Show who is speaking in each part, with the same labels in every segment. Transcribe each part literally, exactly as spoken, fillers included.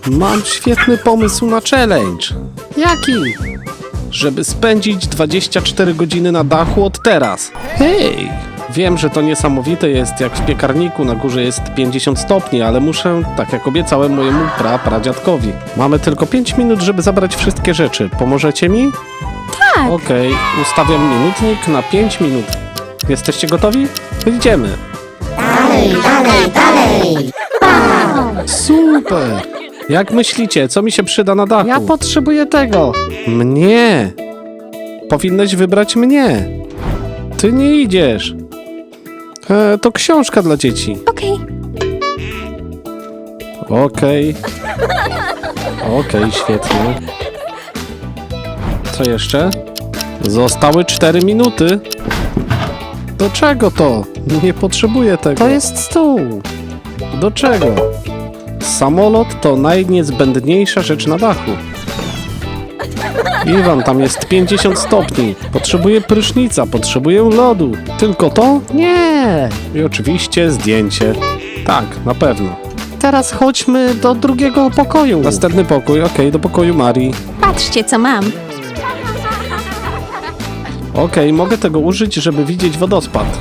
Speaker 1: Mam świetny pomysł na challenge. Jaki? Żeby spędzić dwadzieścia cztery godziny na dachu od teraz. Hej! Wiem, że to niesamowite jest, jak w piekarniku na górze jest pięćdziesiąt stopni, ale muszę, tak jak obiecałem mojemu pra, pradziadkowi. Mamy tylko pięć minut, żeby zabrać wszystkie rzeczy. Pomożecie mi?
Speaker 2: Tak.
Speaker 1: Okej, ustawiam minutnik na pięć minut. Jesteście gotowi? Idziemy.
Speaker 3: Dalej, dalej, dalej!
Speaker 1: Super! Jak myślicie, co mi się przyda na dachu? Ja potrzebuję tego. Mnie. Powinnaś wybrać mnie. Ty nie idziesz. E, to książka dla dzieci.
Speaker 2: Okej.
Speaker 1: Okej. Okej, świetnie. Co jeszcze? Zostały cztery minuty. Do czego to? Nie potrzebuję tego. To jest stół. Do czego? Samolot to najniezbędniejsza rzecz na dachu. Iwan, tam jest pięćdziesiąt stopni. Potrzebuję prysznica, potrzebuję lodu. Tylko to? Nie. I oczywiście zdjęcie. Tak, na pewno. Teraz chodźmy do drugiego pokoju. Następny pokój, okej, do pokoju Marii.
Speaker 2: Patrzcie, co mam.
Speaker 1: Okej, mogę tego użyć, żeby widzieć wodospad.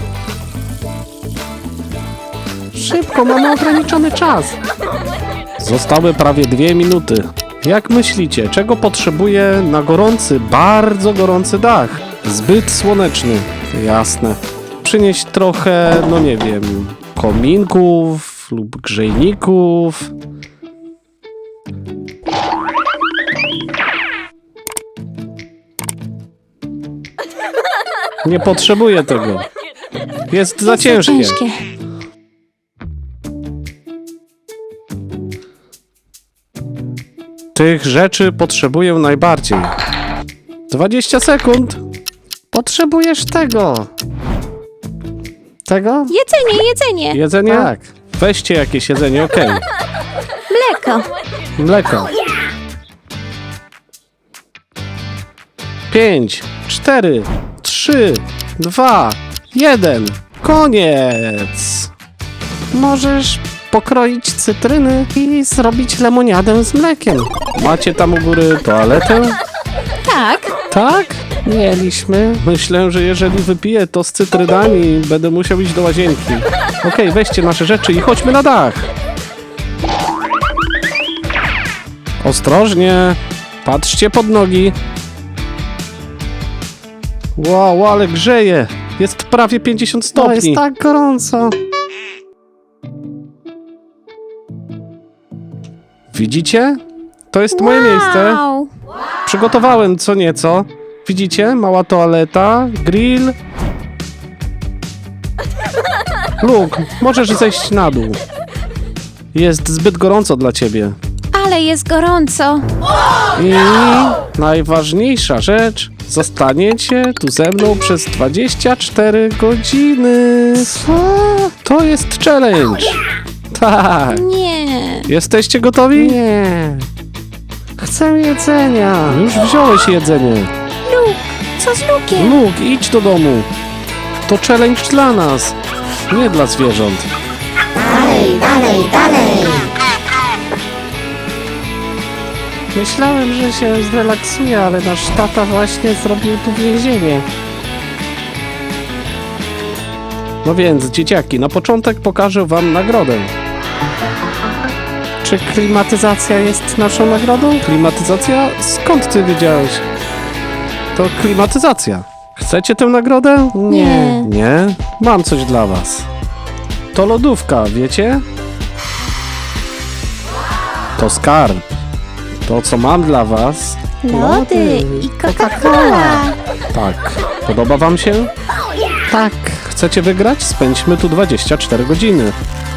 Speaker 1: Szybko, mamy ograniczony czas. Zostały prawie dwie minuty. Jak myślicie, czego potrzebuję na gorący, bardzo gorący dach? Zbyt słoneczny. Jasne. Przynieść trochę, no nie wiem, kominków lub grzejników. Nie potrzebuję tego. Jest za
Speaker 2: Jest
Speaker 1: ciężkie.
Speaker 2: za ciężkie.
Speaker 1: Tych rzeczy potrzebuję najbardziej. dwadzieścia sekund. Potrzebujesz tego. Tego?
Speaker 2: Jedzenie, jedzenie.
Speaker 1: Jedzenie? Tak. Weźcie jakieś jedzenie, okej.
Speaker 2: Mleko.
Speaker 1: Mleko. Pięć, cztery, trzy, dwa, jeden. Koniec. Możesz pokroić cytryny i zrobić lemoniadę z mlekiem. Macie tam u góry toaletę?
Speaker 2: Tak.
Speaker 1: Tak? Mieliśmy. Myślę, że jeżeli wypiję to z cytrynami, będę musiał iść do łazienki. Okej, weźcie nasze rzeczy i chodźmy na dach. Ostrożnie. Patrzcie pod nogi. Wow, ale grzeje. Jest prawie pięćdziesiąt stopni. Jest tak gorąco. Widzicie? To jest moje miejsce.
Speaker 2: Wow.
Speaker 1: Przygotowałem co nieco. Widzicie? Mała toaleta, grill. Luke, możesz zejść na dół. Jest zbyt gorąco dla ciebie.
Speaker 2: Ale jest gorąco.
Speaker 1: I najważniejsza rzecz, zostaniecie tu ze mną przez dwadzieścia cztery godziny. Co? To jest challenge. Tak.
Speaker 2: Nie.
Speaker 1: Jesteście gotowi? Nie. Chcę jedzenia. Już wziąłeś jedzenie.
Speaker 2: Luke, co z Lukiem?
Speaker 1: Luke, idź do domu. To challenge dla nas, nie dla zwierząt.
Speaker 3: Dalej, dalej, dalej!
Speaker 1: Myślałem, że się zrelaksuje, ale nasz tata właśnie zrobił tu więzienie. No więc, dzieciaki, na początek pokażę wam nagrodę. Czy klimatyzacja jest naszą nagrodą? Klimatyzacja? Skąd ty wiedziałeś? To klimatyzacja. Chcecie tę nagrodę?
Speaker 2: Nie.
Speaker 1: Nie? Mam coś dla was. To lodówka, wiecie? To skarb. To, co mam dla was...
Speaker 2: Lody i Coca-Cola.
Speaker 1: Tak. Podoba wam się? Tak. Chcecie wygrać? Spędźmy tu dwadzieścia cztery godziny.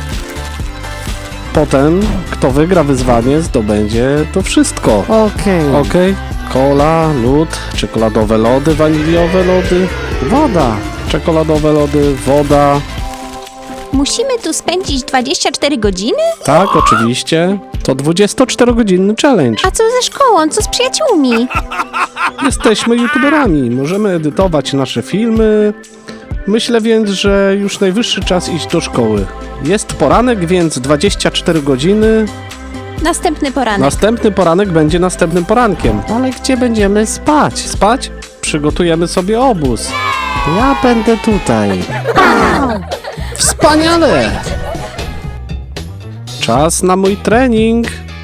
Speaker 1: Potem, kto wygra wyzwanie, zdobędzie to wszystko. Okej. Okay. Okej. Okay. Cola, lód, czekoladowe lody, waniliowe lody, woda. Czekoladowe lody, woda.
Speaker 2: Musimy tu spędzić dwadzieścia cztery godziny?
Speaker 1: Tak, oczywiście. To dwudziestoczterogodzinny challenge.
Speaker 2: A co ze szkołą? Co z przyjaciółmi?
Speaker 1: Jesteśmy youtuberami, możemy edytować nasze filmy. Myślę więc, że już najwyższy czas iść do szkoły. Jest poranek, więc dwadzieścia cztery godziny
Speaker 2: Następny poranek.
Speaker 1: Następny poranek będzie następnym porankiem. Ale gdzie będziemy spać? Spać? Przygotujemy sobie obóz. Ja będę tutaj. Wspaniale! Czas na mój trening.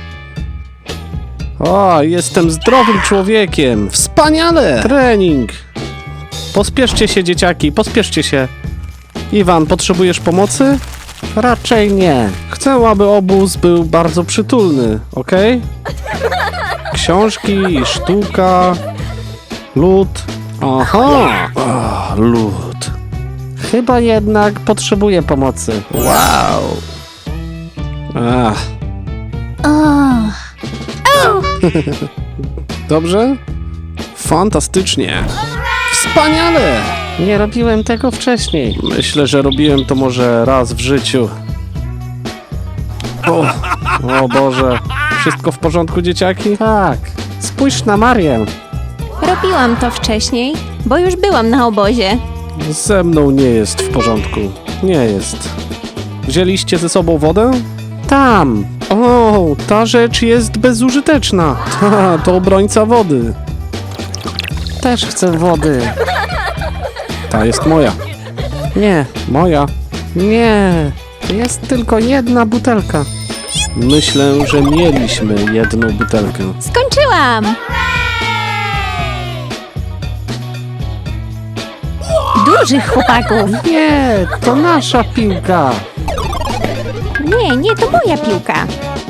Speaker 1: O, jestem zdrowym człowiekiem. Wspaniale! Trening. Pospieszcie się, dzieciaki, pospieszcie się. Iwan, potrzebujesz pomocy? Raczej nie. Chcę, aby obóz był bardzo przytulny, ok? Książki, sztuka, lód. Aha! O, lód. Chyba jednak potrzebuję pomocy. Wow! Ach.
Speaker 2: O,
Speaker 1: Dobrze? Fantastycznie. Wspaniale! Nie robiłem tego wcześniej. Myślę, że robiłem to może raz w życiu. O, o Boże. Wszystko w porządku, dzieciaki? Tak. Spójrz na Marię.
Speaker 2: robiłam to wcześniej, bo już byłam na obozie.
Speaker 1: Ze mną nie jest w porządku. Nie jest. Wzięliście ze sobą wodę? Tam. O, ta rzecz jest bezużyteczna. Ta, to obrońca wody. Też chcę wody. Ta jest moja. Nie, moja. Nie, jest tylko jedna butelka. Myślę, że mieliśmy jedną butelkę.
Speaker 2: Skończyłam! Dużych chłopaków.
Speaker 1: Nie, to nasza piłka.
Speaker 2: Nie, nie, to moja piłka.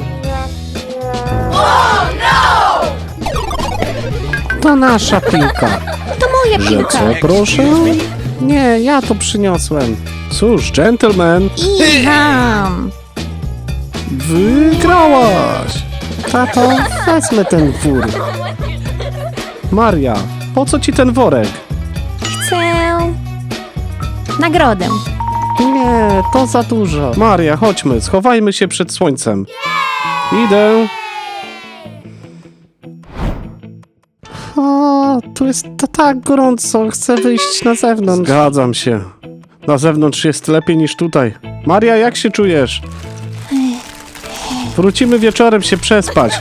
Speaker 1: To nasza piłka.
Speaker 2: To moja
Speaker 1: Że
Speaker 2: piłka.
Speaker 1: co, proszę? Nie, ja to przyniosłem. Cóż, gentleman,
Speaker 2: Iwan!
Speaker 1: wygrałaś. Tato, wezmę ten wór. Maria, po co ci ten worek?
Speaker 2: Chcę... nagrodę.
Speaker 1: Nie, to za dużo. Maria, chodźmy, schowajmy się przed słońcem. Idę. O, tu jest to tak gorąco, chcę wyjść na zewnątrz. Zgadzam się. Na zewnątrz jest lepiej niż tutaj. Maria, jak się czujesz? Wrócimy wieczorem się przespać.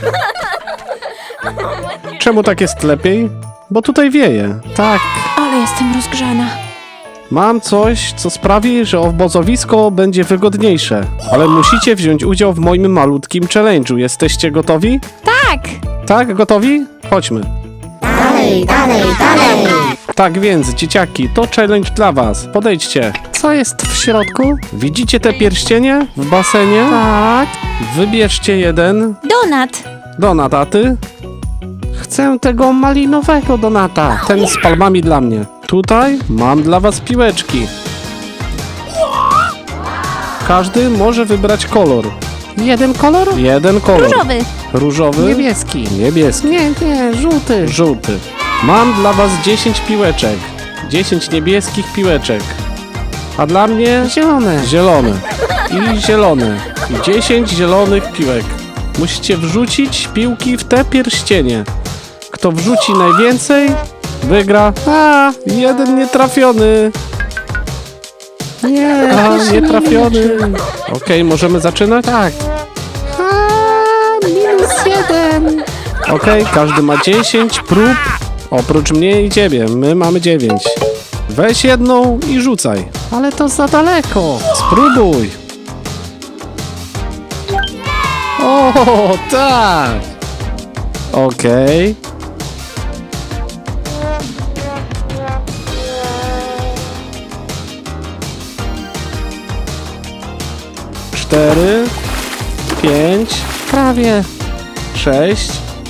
Speaker 1: Czemu tak jest lepiej? Bo tutaj wieje. Tak.
Speaker 2: Ale jestem rozgrzana.
Speaker 1: Mam coś, co sprawi, że obozowisko będzie wygodniejsze. Ale musicie wziąć udział w moim malutkim challenge'u. Jesteście gotowi?
Speaker 2: Tak!
Speaker 1: Tak, gotowi? Chodźmy.
Speaker 3: Dalej, dalej, dalej.
Speaker 1: Tak więc, dzieciaki, to challenge dla was. Podejdźcie. Co jest w środku? Widzicie te pierścienie w basenie? Tak. Wybierzcie jeden.
Speaker 2: Donat!
Speaker 1: Donat, a ty? Chcę tego malinowego donata. Ten z palmami dla mnie. Tutaj mam dla was piłeczki. Każdy może wybrać kolor. Jeden kolor? Jeden kolor.
Speaker 2: Różowy!
Speaker 1: Różowy?
Speaker 4: Niebieski.
Speaker 1: Niebieski.
Speaker 4: Nie, nie, żółty.
Speaker 1: Żółty. Mam dla was dziesięć piłeczek. dziesięć niebieskich piłeczek. A dla mnie
Speaker 4: Zielone.
Speaker 1: zielone. I zielone. I dziesięć zielonych piłek. Musicie wrzucić piłki w te pierścienie. Kto wrzuci najwięcej, wygra. A, jeden nietrafiony.
Speaker 4: Nie,
Speaker 1: A,
Speaker 4: proszę,
Speaker 1: nietrafiony.
Speaker 4: nie.
Speaker 1: Okej, możemy zaczynać?
Speaker 4: Tak. A, minus jeden.
Speaker 1: Okej, każdy ma dziesięć prób. Oprócz mnie i ciebie. My mamy dziewięć. Weź jedną i rzucaj.
Speaker 4: Ale to za daleko.
Speaker 1: Spróbuj. O, tak. Okej. Cztery, pięć,
Speaker 4: Prawie.
Speaker 1: sześć.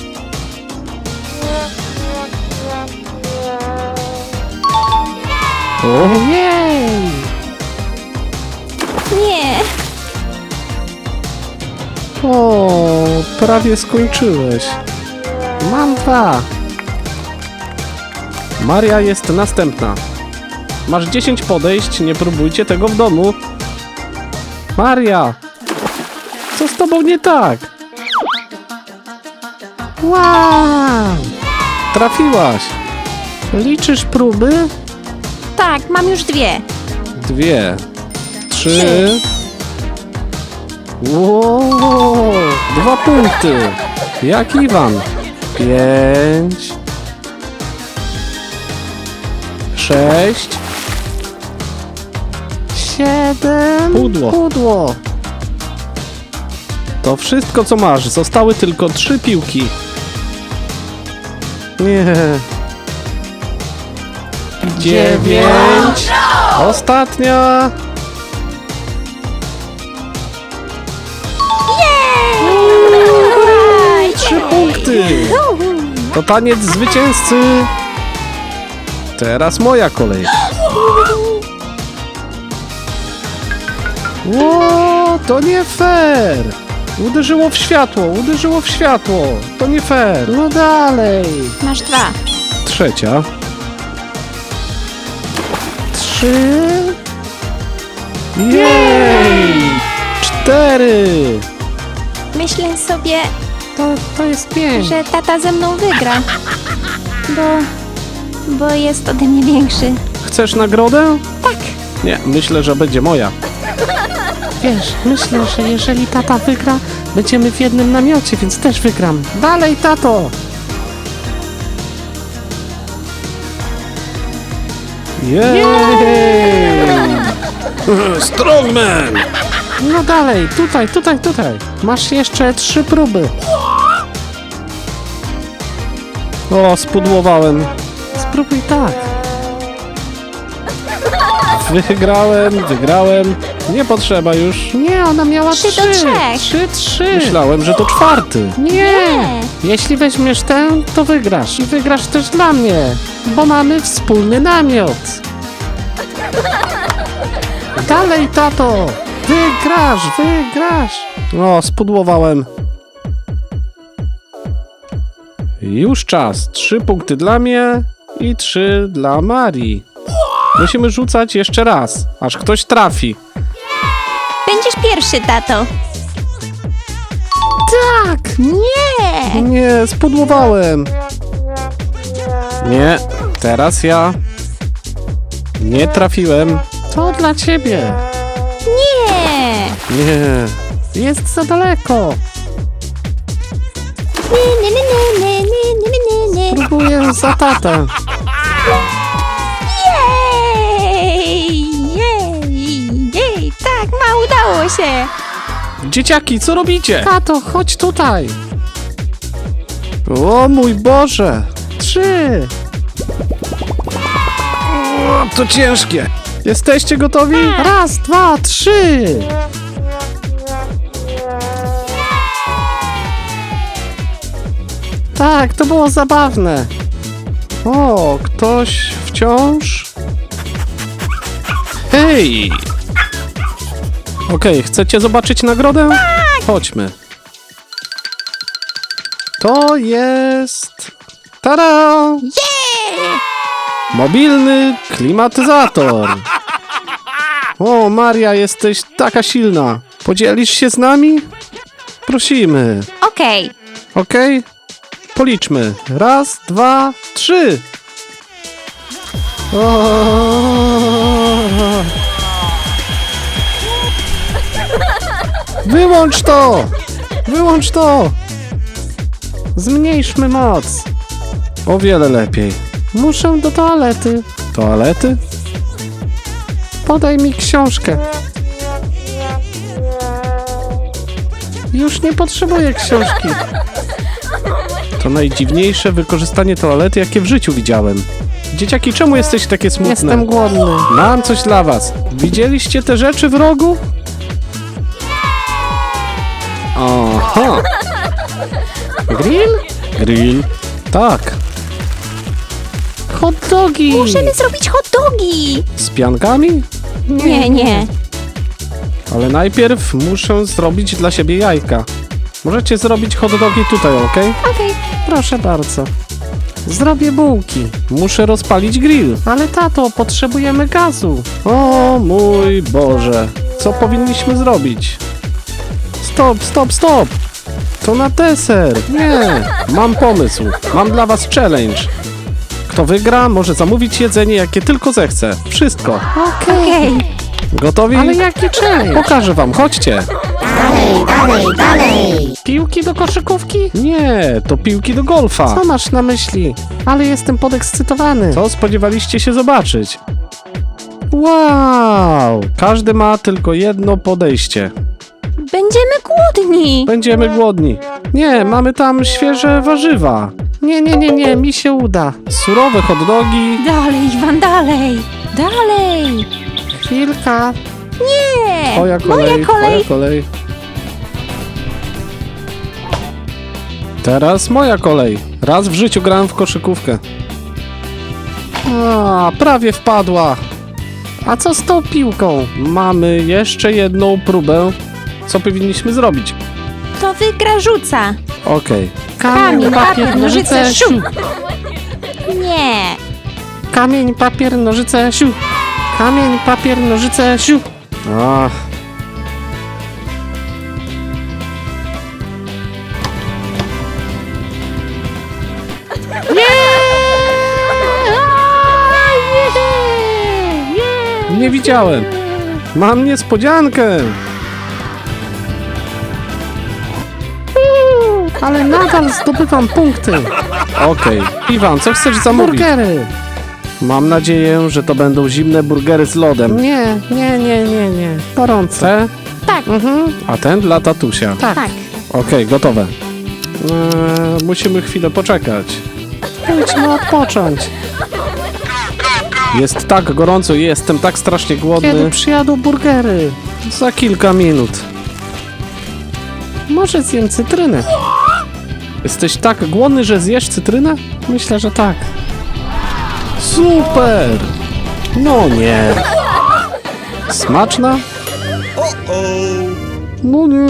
Speaker 4: Ojej.
Speaker 2: Nie!
Speaker 1: O, prawie skończyłeś.
Speaker 4: Mam dwa.
Speaker 1: Maria jest następna. Masz dziesięć podejść, nie próbujcie tego w domu. Maria! Co z tobą nie tak?
Speaker 4: Wow.
Speaker 1: Trafiłaś.
Speaker 4: Liczysz próby?
Speaker 2: Tak, mam już dwie.
Speaker 1: Dwie. Trzy.
Speaker 2: Trzy.
Speaker 1: Wow. Dwa punkty. Jak Iwan. Pięć. Sześć.
Speaker 4: Siedem.
Speaker 1: Pudło.
Speaker 4: Pudło.
Speaker 1: To wszystko, co masz. Zostały tylko trzy piłki. Nie. Dziewięć. Ostatnia. Trzy punkty. To taniec zwycięzcy. Teraz moja kolej. Ło, to nie fair. Uderzyło w światło, uderzyło w światło. To nie fair.
Speaker 4: No dalej.
Speaker 2: Masz dwa.
Speaker 1: Trzecia.
Speaker 4: Trzy.
Speaker 1: Jej! Cztery.
Speaker 2: Myślę sobie,
Speaker 4: To, to jest pięć.
Speaker 2: że tata ze mną wygra. Bo... bo jest ode mnie większy.
Speaker 1: Chcesz nagrodę?
Speaker 2: Tak.
Speaker 1: Nie, myślę, że będzie moja.
Speaker 4: Wiesz, myślę, że jeżeli tata wygra, będziemy w jednym namiocie, więc też wygram. Dalej, tato.
Speaker 1: Jej! Strongman!
Speaker 4: No dalej, tutaj, tutaj, tutaj. Masz jeszcze trzy próby.
Speaker 1: O, spudłowałem.
Speaker 4: Spróbuj tak.
Speaker 1: Wygrałem, wygrałem. Nie potrzeba już.
Speaker 4: Nie, ona miała
Speaker 2: Trzy do
Speaker 4: trzy.
Speaker 2: trzech.
Speaker 4: Trzy, trzy.
Speaker 1: Myślałem, że to czwarty.
Speaker 4: Nie.
Speaker 2: Nie.
Speaker 4: Jeśli weźmiesz tę, to wygrasz. I wygrasz też dla mnie, bo mamy wspólny namiot. Dalej, tato. Wygrasz, wygrasz.
Speaker 1: O, spudłowałem. Już czas. Trzy punkty dla mnie i trzy dla Marii. Musimy rzucać jeszcze raz, aż ktoś trafi.
Speaker 2: Będziesz pierwszy, tato.
Speaker 4: Tak.
Speaker 2: Nie.
Speaker 1: Nie, spudłowałem. Nie, teraz ja. Nie trafiłem.
Speaker 4: To dla ciebie.
Speaker 2: Nie.
Speaker 1: Nie.
Speaker 4: Jest za daleko.
Speaker 2: Nie, nie, nie, nie, nie, nie, nie, nie, nie.
Speaker 4: Próbuję za tatę.
Speaker 2: Jej! Jej! Jej! Tak, ma, udało się!
Speaker 1: Dzieciaki, co robicie?
Speaker 4: Tato, chodź tutaj.
Speaker 1: O mój Boże.
Speaker 4: Trzy.
Speaker 1: O, to ciężkie. Jesteście gotowi?
Speaker 4: Raz, dwa, trzy. Tak, to było zabawne.
Speaker 1: O, ktoś wciąż? Hej! Okej, chcecie zobaczyć nagrodę? Chodźmy. To jest... Tada!
Speaker 2: Jej!
Speaker 1: Mobilny klimatyzator. O, Maria, jesteś taka silna. Podzielisz się z nami? Prosimy.
Speaker 2: Okej.
Speaker 1: Okej? Policzmy. Raz, dwa, trzy.
Speaker 4: O,
Speaker 1: Wyłącz to! Wyłącz to!
Speaker 4: zmniejszmy moc.
Speaker 1: O wiele lepiej.
Speaker 4: Muszę do toalety.
Speaker 1: Toalety?
Speaker 4: Podaj mi książkę. Już nie potrzebuję książki.
Speaker 1: To najdziwniejsze wykorzystanie toalety, jakie w życiu widziałem. Dzieciaki, czemu jesteście takie smutne?
Speaker 4: Jestem głodny.
Speaker 1: Mam coś dla was. Widzieliście te rzeczy w rogu? Aha.
Speaker 4: Grill?
Speaker 1: Grill. Tak.
Speaker 4: Hot dogi.
Speaker 2: Możemy zrobić hot dogi!
Speaker 1: Z piankami?
Speaker 2: Nie, nie.
Speaker 1: Ale najpierw muszę zrobić dla siebie jajka. Możecie zrobić hot dogi tutaj, ok?
Speaker 2: Okej.
Speaker 4: Proszę bardzo. Zrobię bułki.
Speaker 1: Muszę rozpalić grill.
Speaker 4: Ale tato, potrzebujemy gazu.
Speaker 1: O mój Boże. Co powinniśmy zrobić? Stop, stop, stop. To na deser. Nie. Mam pomysł. Mam dla was challenge. Kto wygra, może zamówić jedzenie, jakie tylko zechce. Wszystko.
Speaker 4: Okej.
Speaker 2: Okej.
Speaker 1: Gotowi?
Speaker 4: Ale jaki challenge?
Speaker 1: Pokażę wam, chodźcie.
Speaker 3: Dalej, dalej, dalej, dalej.
Speaker 4: Piłki do koszykówki?
Speaker 1: Nie, to piłki do golfa.
Speaker 4: Co masz na myśli? Ale jestem podekscytowany.
Speaker 1: Co spodziewaliście się zobaczyć? Wow! Każdy ma tylko jedno podejście.
Speaker 2: Będziemy głodni.
Speaker 1: Będziemy głodni. Nie, mamy tam świeże warzywa.
Speaker 4: Nie, nie, nie, nie, mi się uda.
Speaker 1: Surowe hot dogi.
Speaker 2: Dalej, Iwan, dalej. Dalej.
Speaker 4: Chwilka.
Speaker 2: Nie.
Speaker 1: Twoja kolej,
Speaker 2: Moja kolej.
Speaker 1: twoja kolej. Teraz moja kolej. Raz w życiu grałem w koszykówkę. A, prawie wpadła.
Speaker 4: A co z tą piłką?
Speaker 1: Mamy jeszcze jedną próbę. Co powinniśmy zrobić?
Speaker 2: To wygra rzuca.
Speaker 1: Okej.
Speaker 2: Kamień, papier, nożyce, siu. Nie.
Speaker 4: Kamień, papier, nożyce, siu. Kamień, papier, nożyce, siu.
Speaker 1: Ach. Nie widziałem. Mam niespodziankę.
Speaker 4: Ale nadal zdobywam punkty.
Speaker 1: Okej. Iwan, co chcesz zamówić?
Speaker 4: Burgery.
Speaker 1: Mam nadzieję, że to będą zimne burgery z lodem.
Speaker 4: Nie, nie, nie, nie, nie. Gorące.
Speaker 1: Te?
Speaker 2: Tak,
Speaker 4: Mhm,
Speaker 1: A ten dla tatusia.
Speaker 4: tak.
Speaker 2: tak.
Speaker 1: Okej, gotowe. Eee, musimy chwilę poczekać.
Speaker 4: Pójdźmy odpocząć.
Speaker 1: Jest tak gorąco i jestem tak strasznie głodny.
Speaker 4: Kiedy przyjadą burgery?
Speaker 1: Za kilka minut.
Speaker 4: Może zjem cytrynę.
Speaker 1: Jesteś tak głodny, że zjesz cytrynę?
Speaker 4: Myślę, że tak.
Speaker 1: Super! No nie. Smaczna? No nie.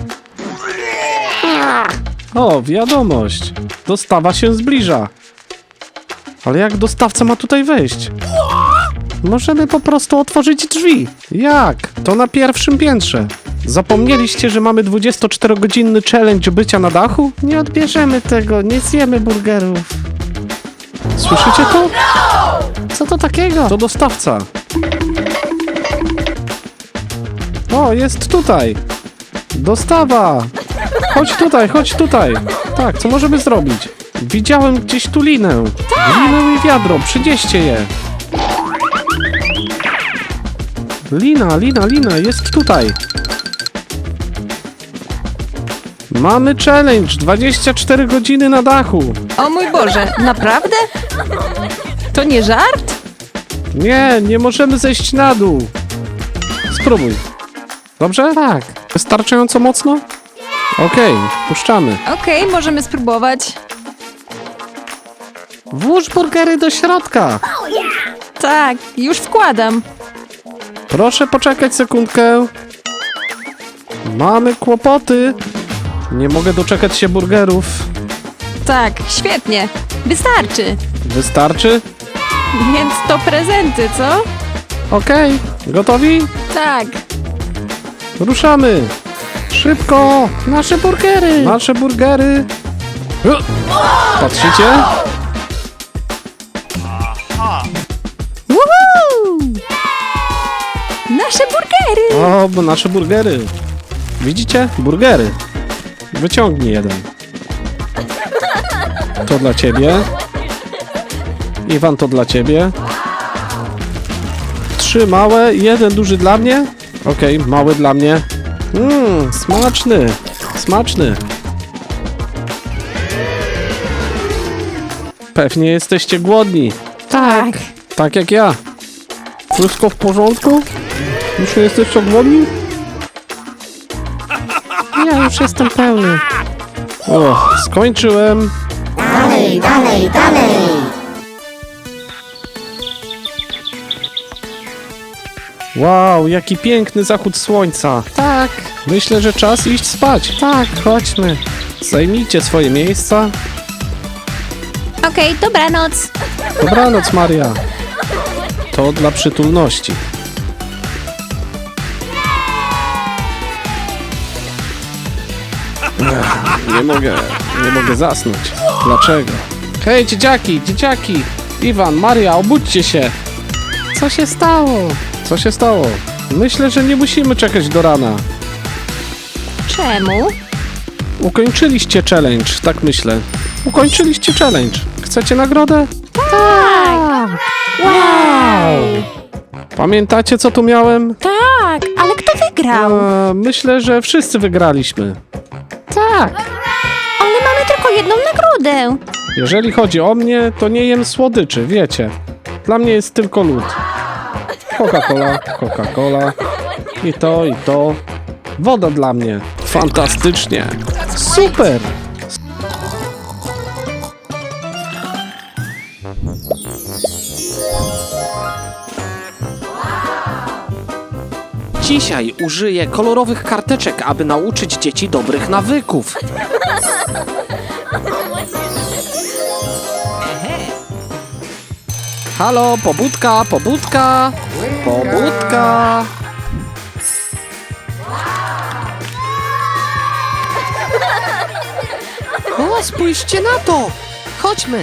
Speaker 1: O, wiadomość. Dostawa się zbliża. Ale jak dostawca ma tutaj wejść?
Speaker 4: Możemy po prostu otworzyć drzwi.
Speaker 1: Jak? To na pierwszym piętrze. Zapomnieliście, że mamy dwudziestoczterogodzinny challenge bycia na dachu?
Speaker 4: Nie odbierzemy tego, nie zjemy burgerów.
Speaker 1: Słyszycie to?
Speaker 4: Co to takiego?
Speaker 1: To dostawca. O, jest tutaj. Dostawa. Chodź tutaj, chodź tutaj. Tak, co możemy zrobić? Widziałem gdzieś tu linę. Linę i wiadro, przynieście je. Lina, lina, lina, jest tutaj. Mamy challenge, dwadzieścia cztery godziny na dachu.
Speaker 5: O mój Boże, naprawdę? To nie żart?
Speaker 1: Nie, nie możemy zejść na dół. Spróbuj. Dobrze?
Speaker 4: Tak.
Speaker 1: Wystarczająco mocno? Okej, puszczamy.
Speaker 5: Okej, możemy spróbować.
Speaker 4: Włóż burgery do środka.
Speaker 5: Tak, już wkładam.
Speaker 1: Proszę poczekać sekundkę. Mamy kłopoty. Nie mogę doczekać się burgerów.
Speaker 5: Tak, świetnie. Wystarczy.
Speaker 1: Wystarczy?
Speaker 5: Więc to prezenty, co?
Speaker 1: Okej, gotowi?
Speaker 5: Tak.
Speaker 1: Ruszamy. Szybko.
Speaker 4: Nasze burgery.
Speaker 1: Nasze burgery. U! Patrzycie?
Speaker 5: Woohoo! Nasze burgery!
Speaker 1: O, bo nasze burgery. Widzicie? Burgery. Wyciągnij jeden. To dla ciebie. Iwan, to dla ciebie. Trzy małe, jeden duży dla mnie. Okej, mały dla mnie. Mmm, smaczny. Smaczny. Pewnie jesteście głodni.
Speaker 4: Tak.
Speaker 1: Tak jak ja. Wszystko w porządku? Już nie jesteście głodni?
Speaker 4: Ja już jestem pełny.
Speaker 1: O, skończyłem.
Speaker 3: Dalej, dalej, dalej.
Speaker 1: Wow, jaki piękny zachód słońca.
Speaker 4: Tak,
Speaker 1: Myślę, że czas iść spać.
Speaker 4: tak, chodźmy.
Speaker 1: Zajmijcie swoje miejsca.
Speaker 2: Okej, dobranoc.
Speaker 1: Dobranoc, Maria. To dla przytulności. Ech, nie mogę, nie mogę zasnąć. Dlaczego? Hej, dzieciaki, dzieciaki! Iwan, Maria, obudźcie się!
Speaker 4: Co się stało?
Speaker 1: Co się stało? Myślę, że nie musimy czekać do rana.
Speaker 5: Czemu?
Speaker 1: Ukończyliście challenge, tak myślę. Ukończyliście challenge. Chcecie nagrodę?
Speaker 2: Tak!
Speaker 1: Wow! Pamiętacie, co tu miałem?
Speaker 5: Tak, ale kto wygrał?
Speaker 1: E, myślę, że wszyscy wygraliśmy.
Speaker 4: Tak.
Speaker 2: Ale mamy tylko jedną nagrodę.
Speaker 1: Jeżeli chodzi o mnie, to nie jem słodyczy, wiecie. Dla mnie jest tylko lód. Coca-Cola, Coca-Cola. I to, i to. Woda dla mnie. Fantastycznie. Super. Dzisiaj użyję kolorowych karteczek, aby nauczyć dzieci dobrych nawyków. Halo, pobudka, pobudka, pobudka. O, spójrzcie na to. Chodźmy.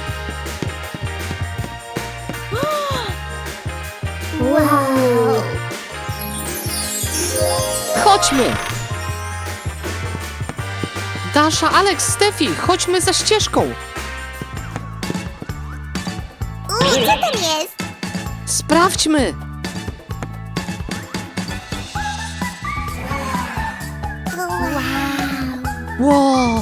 Speaker 1: Chodźmy. Dasza, Alex, Stefi, chodźmy za ścieżką.
Speaker 3: Uj, co tam jest?
Speaker 1: Sprawdźmy. Wow.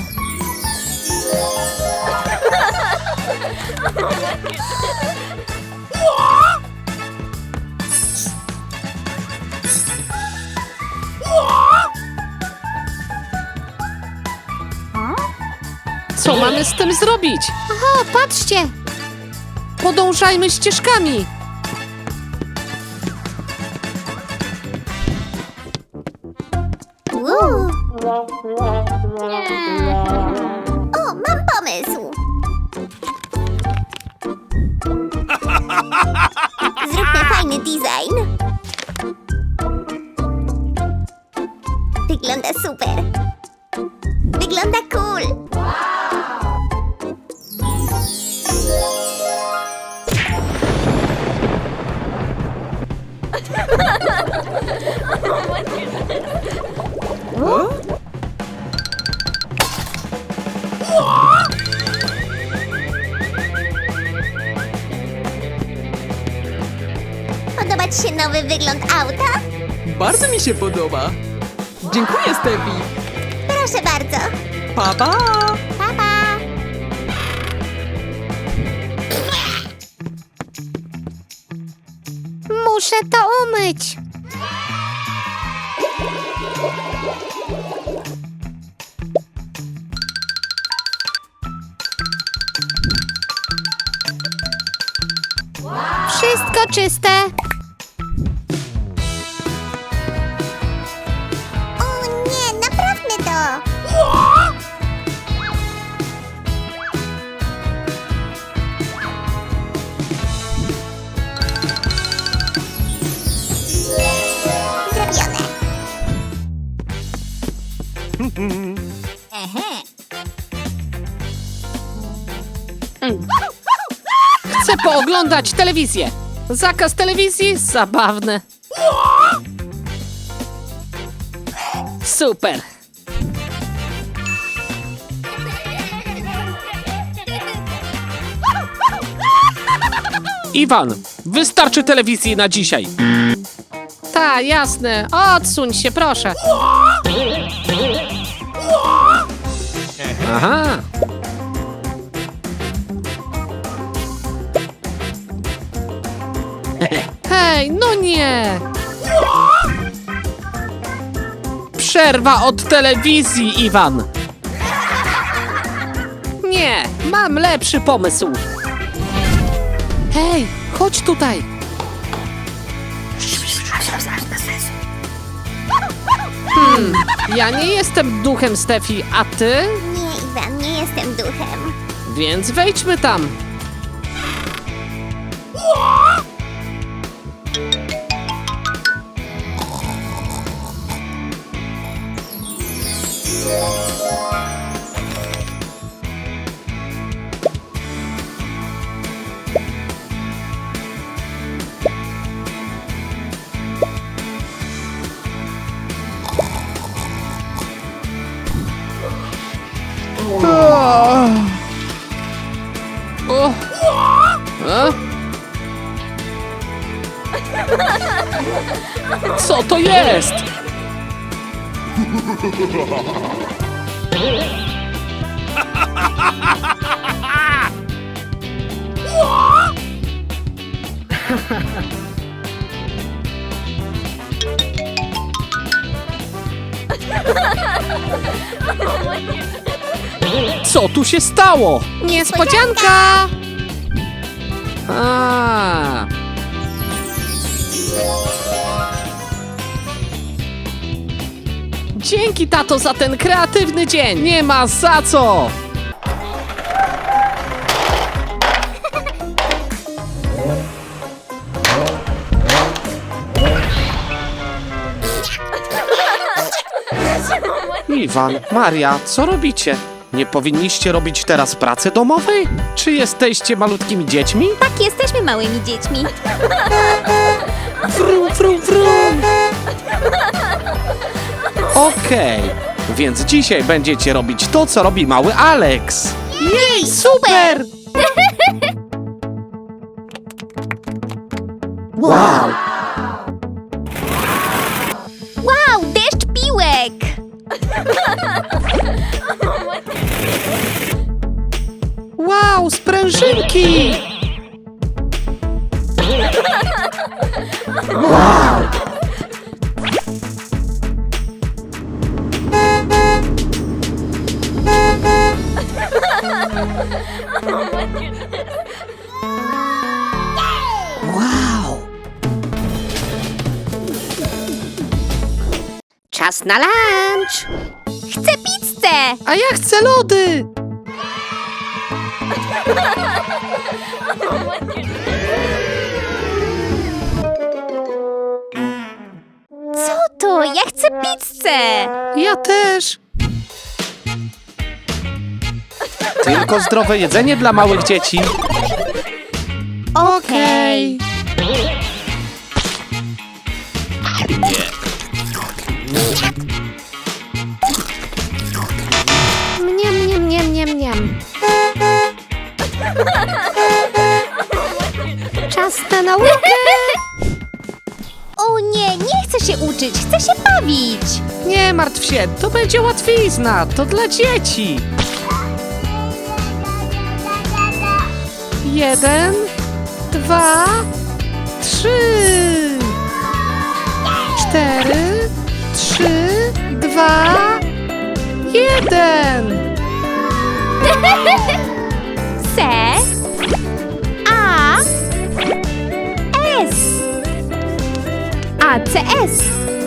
Speaker 1: Co mamy z tym zrobić?
Speaker 2: O, patrzcie!
Speaker 1: Podążajmy ścieżkami.
Speaker 3: Uuu. O, mam pomysł. Zróbmy fajny design. Wygląda super. Wygląda cool. Podoba ci się nowy wygląd auta?
Speaker 6: Bardzo mi się podoba. Dziękuję, Stefi.
Speaker 3: Proszę bardzo.
Speaker 6: Pa, pa.
Speaker 3: Pa, pa.
Speaker 2: Muszę to umyć. Wszystko czyste.
Speaker 3: O nie, naprawmy to. Zrobione.
Speaker 1: Chcę pooglądać telewizję. Zakaz telewizji? Zabawne. Super. Iwan, wystarczy telewizji na dzisiaj. Ta, jasne. Odsuń się, proszę. Aha. Hej, no nie! Przerwa od telewizji, Iwan! Nie, mam lepszy pomysł. Hej, chodź tutaj. Hmm, ja nie jestem duchem, Stefi, a ty?
Speaker 3: Nie, Iwan, nie jestem duchem.
Speaker 1: Więc wejdźmy tam. O. A? Co to jest? Co tu się stało?
Speaker 4: Niespodzianka!
Speaker 1: A.
Speaker 4: Dzięki, tato, za ten kreatywny dzień!
Speaker 1: Nie ma za co! Iwan, Maria, co robicie? Nie powinniście robić teraz pracy domowej? Czy jesteście malutkimi dziećmi?
Speaker 3: Tak, jesteśmy małymi dziećmi.
Speaker 1: Wrum, wrum, wrum! Okej, więc dzisiaj będziecie robić to, co robi mały Alex.
Speaker 4: Jej, super!
Speaker 1: Wow!
Speaker 3: Wow, deszcz piłek!
Speaker 4: Wow, sprężynki!
Speaker 5: Czas na lunch!
Speaker 3: Chcę pizzę!
Speaker 4: A ja chcę lody!
Speaker 3: Co to? Ja chcę pizzę!
Speaker 4: Ja też!
Speaker 1: Tylko zdrowe jedzenie dla małych dzieci.
Speaker 4: Okej! Mniam, mniam, mniam, mniam, mniam. Czas na naukę!
Speaker 3: O nie, nie chcę się uczyć, chcę się bawić!
Speaker 4: Nie martw się, to będzie łatwizna, to dla dzieci. Jeden, dwa, trzy, cztery, trzy, dwa, jeden.
Speaker 3: C A S A C S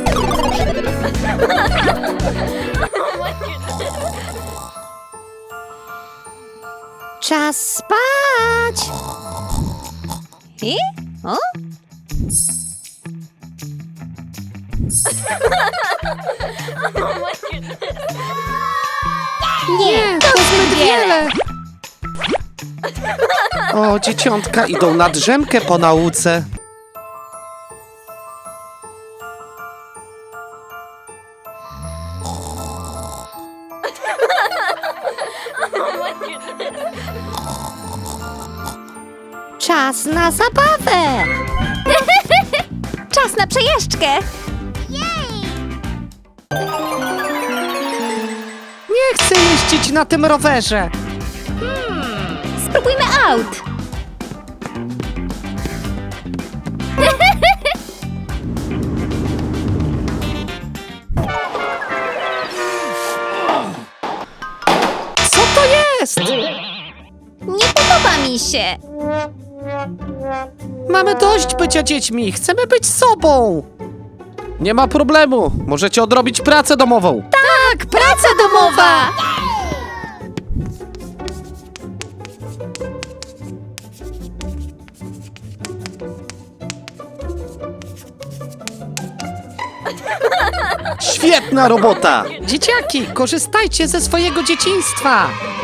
Speaker 5: Czas spać!
Speaker 3: I? O?
Speaker 4: Nie, to zbyt wiele.
Speaker 1: O, dzieciątka idą na drzemkę po nauce.
Speaker 5: Czas na zabawę!
Speaker 3: Czas na przejażdżkę!
Speaker 4: Nie chcę jeździć na tym rowerze.
Speaker 3: Spróbujmy aut!
Speaker 4: Co to jest?
Speaker 3: Nie podoba mi się!
Speaker 4: Mamy dość bycia dziećmi, chcemy być sobą.
Speaker 1: Nie ma problemu, możecie odrobić pracę domową.
Speaker 3: Tak, praca domowa!
Speaker 1: Świetna robota!
Speaker 4: Dzieciaki, korzystajcie ze swojego dzieciństwa.